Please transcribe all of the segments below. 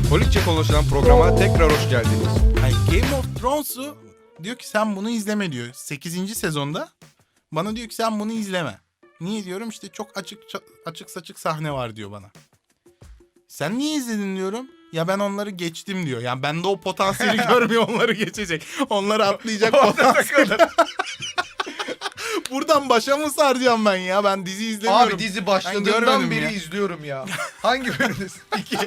Holikçe konuşulan programa tekrar hoş geldiniz. Yani Game of Thrones'u diyor ki sen bunu izleme diyor. 8. sezonda bana diyor ki sen bunu izleme. Niye diyorum, işte çok açık saçık sahne var diyor bana. Sen niye izledin diyorum. Ya ben onları geçtim diyor. Yani bende o potansiyeli görmüyor, onları geçecek. Onları atlayacak potansiyeli. Buradan başa mı saracağım ben ya? Ben dizi izlemiyorum. Abi dizi Ben başladığından görmedim beri ya. izliyorum ya. Hangi bölümdesin? 2.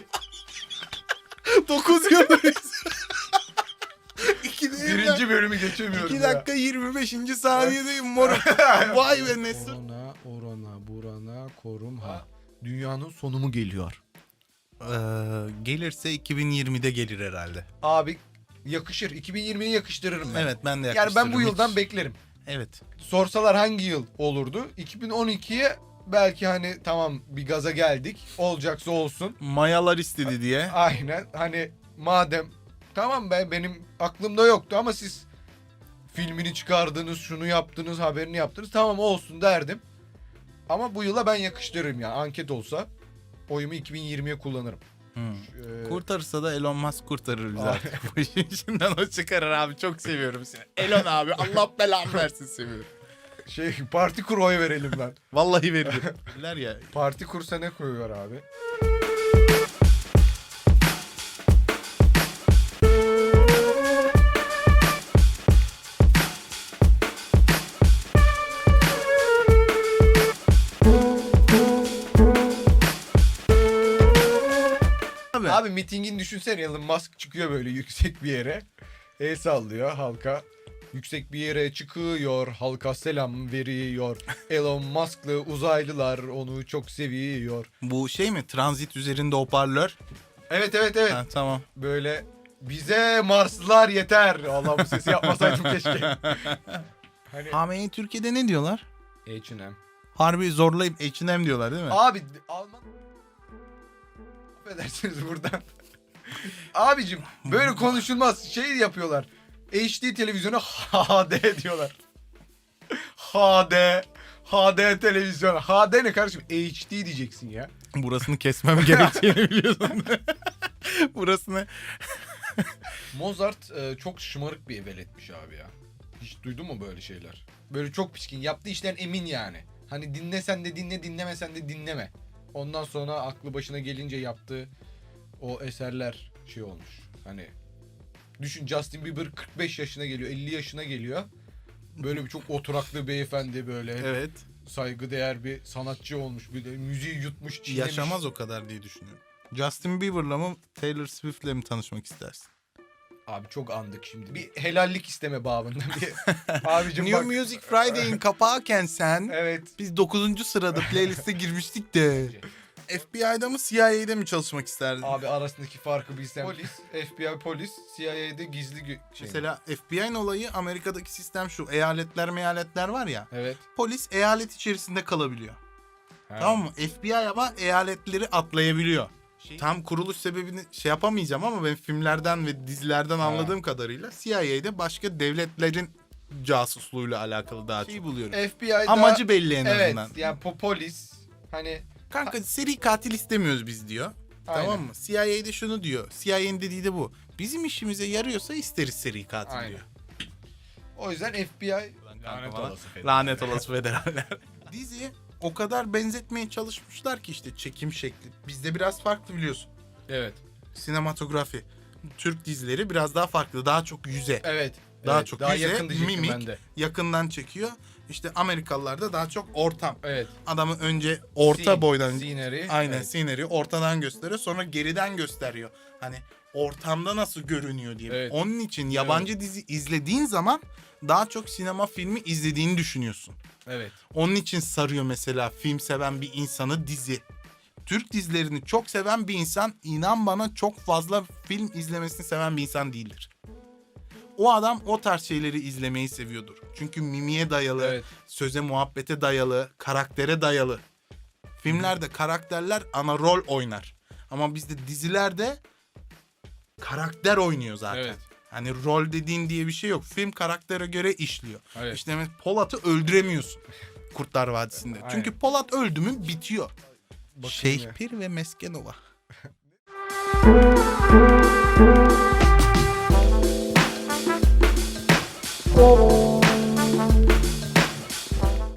9 yıldayız. 2 değil ya. Birinci bölümü geçemiyorum 2 ya. dakika 25. saniyedeyim moruk. Vay be Nesir. Orana, burana, korum ha. Dünyanın sonu mu geliyor? Gelirse 2020'de gelir herhalde. Abi yakışır. 2020'yi yakıştırırım ben. Evet, ben de Yani yaklaştırırım. ben bu yıldan Hiç- beklerim. Evet. Sorsalar hangi yıl olurdu? 2012'ye belki hani tamam bir gaza geldik. Olacaksa olsun. Mayalar istedi diye. Aynen. Hani madem tamam benim aklımda yoktu ama siz filmini çıkardınız, şunu yaptınız, haberini yaptınız. Tamam olsun derdim. Ama bu yıla ben yakıştırırım ya. Anket olsa oyumu 2020'ye kullanırım. Kurtarırsa da Elon Musk kurtarır bizi artık. Bu işin içinden o çıkarır abi. Çok seviyorum seni. Elon abi, Allah belanı versin, seviyorum. Parti kur oy verelim lan. Vallahi veririm. Bilir ya. Parti kursa ne koyuyor abi? Abi mitingin düşünsene, Elon Musk çıkıyor böyle yüksek bir yere. El sallıyor halka. Yüksek bir yere çıkıyor, halka selam veriyor. Elon Musk'lı uzaylılar onu çok seviyor. Bu şey mi? Transit üzerinde hoparlör. Evet. Ha, tamam. Böyle bize Marslılar yeter. Allah, bu sesi yapmasaydım keşke. Hani HM'yi Türkiye'de ne diyorlar? H&M. Harbi zorlayıp H&M diyorlar değil mi? Abi Alman... Affedersiniz buradan. Abicim böyle konuşulmaz. Şey yapıyorlar. HD televizyona HD diyorlar. HD televizyon. HD ne kardeşim? HD diyeceksin ya. Burasını kesmem gerektiğini biliyorsun. Burasını... Mozart çok şımarık bir veletmiş abi ya. Hiç duydun mu böyle şeyler? Böyle çok pişkin. Yaptığı işten emin yani. Hani dinlesen de dinle, dinlemesen de dinleme. Ondan sonra aklı başına gelince yaptığı o eserler şey olmuş. Hani düşün, Justin Bieber 45 yaşına geliyor, 50 yaşına geliyor. Böyle bir çok oturaklı beyefendi, böyle Evet. saygıdeğer bir sanatçı olmuş. Bir de müziği yutmuş, çiğnemiş. Yaşamaz o kadar diye düşünüyorum. Justin Bieber'la mı Taylor Swift'le mi tanışmak istersin? Abi çok andık şimdi. Bir helallik isteme babında bir. Abicim New bak. Music Friday'in kapağıken sen, Evet. biz 9. sırada playlist'e girmiştik de. FBI'da mı CIA'de mi çalışmak isterdin? Abi arasındaki farkı bilsem. Polis, FBI polis, CIA'de gizli şey. Mesela FBI'nin olayı, Amerika'daki sistem şu. Eyaletler var ya. Evet. Polis eyalet içerisinde kalabiliyor. Ha. Tamam mı? FBI ama eyaletleri atlayabiliyor. Tam kuruluş sebebini şey yapamayacağım ama ben filmlerden ve dizilerden anladığım kadarıyla CIA'de başka devletlerin casusluğuyla alakalı daha çok buluyorum. FBI'da Amacı belli en evet, azından. yani polis hani Kanka seri katil istemiyoruz biz diyor. aynen. Tamam mı? CIA'de şunu diyor. CIA'nin dediği de bu. Bizim işimize yarıyorsa isteriz seri katil Aynen. diyor. O yüzden FBI Lanet olası Lanet olası federaller. Dizi o kadar benzetmeye çalışmışlar ki işte çekim şekli. Bizde biraz farklı biliyorsun. Evet. Sinematografi. Türk dizileri biraz daha farklı. Daha çok yüze. Evet. Daha evet, çok daha yüze, yakın diyecektim mimik. ben de. Yakından çekiyor. İşte Amerikalılar da daha çok ortam. Evet. Adamı önce orta boydan scenery. aynen Evet. scenery ortadan gösteriyor, sonra geriden gösteriyor. Hani ortamda nasıl görünüyor diye. Evet. Onun için yabancı dizi izlediğin zaman daha çok sinema filmi izlediğini düşünüyorsun. Evet. Onun için sarıyor mesela film seven bir insanı dizi. Türk dizilerini çok seven bir insan, inan bana, çok fazla film izlemesini seven bir insan değildir. O adam o tarz şeyleri izlemeyi seviyordur. Çünkü mimiye dayalı, Evet. söze muhabbete dayalı, karaktere dayalı. Filmlerde karakterler ana rol oynar. Ama bizde dizilerde karakter oynuyor zaten. Evet. Hani rol dediğin diye bir şey yok. Film karaktere göre işliyor. Evet. İşte mesela Polat'ı öldüremiyorsun Kurtlar Vadisi'nde. Aynen. Çünkü Polat öldü mü bitiyor. Bakın Şeyh ya. Pir ve Meskenova. Thank